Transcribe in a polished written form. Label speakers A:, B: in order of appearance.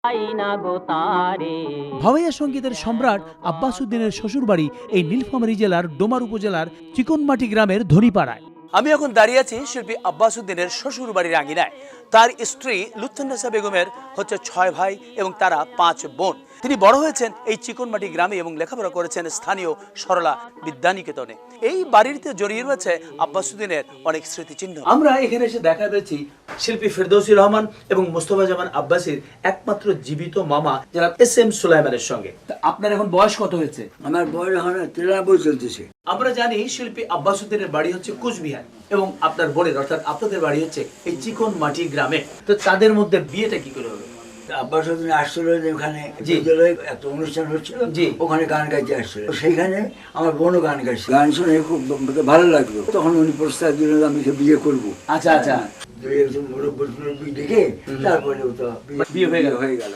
A: ভাওয়াইয়া সঙ্গীতের সম্রাট আব্বাস উদ্দিনের শ্বশুরবাড়ি এই নীলফামারী জেলার ডোমার উপজেলার চিকনমাটি গ্রামের ধনীপাড়ায়। আমি এখন দাঁড়িয়ে আছি শিল্পী আব্বাস উদ্দিনের শ্বশুর বাড়ির আঙিনায়। তার স্ত্রী লুৎফুন্নেসা বেগমের হচ্ছে 6 ভাই এবং তারা 5 বোন। তিনি বড় হয়েছেন এই চিকনমাটি গ্রামে এবং লেখাপড়া করেছেন স্থানীয় সরলা বিদ্যানিকেতনে। এই বাড়িতে জড়িয়ে রয়েছে আব্বাস উদ্দিনের অনেক স্মৃতিচিহ্ন। আমরা এখানে এসে দেখা পেয়েছি শিল্পী ফেরদৌসী রহমান এবং মোস্তফা জামান আব্বাসীর একমাত্র জীবিত মামা যারা SM সুলাইমানের সঙ্গে। আপনার এখন বয়স কত হয়েছে?
B: আমার বয়স এখন 93 চলতেছে।
A: আমরা জানি শিল্পী আব্বাস উদ্দিনের বাড়ি হচ্ছে কুচবিহার এবং আপনার বোনের অর্থাৎ আপনাদের বাড়ি হচ্ছে এই চিকনমাটি গ্রামে। তো তাদের মধ্যে বিয়েটা কি করে হলো?
B: আব্বাস উদ্দিন আসছিল ওখানে
A: জি।
B: একটা অনুষ্ঠান হচ্ছিল,
A: জি।
B: ওখানে গান গাইতে আসছিল। সেইখানে আমার বোনও গান গাইছে, গান শুনে খুব ভালো লাগলো। তখন উনি প্রস্তাব দিলেন আমি বিয়ে করবো।
A: আচ্ছা আচ্ছা,
B: দুই একজন মুরব্বী দেখে তারপরে তো
A: বিয়ে হয়ে গেল।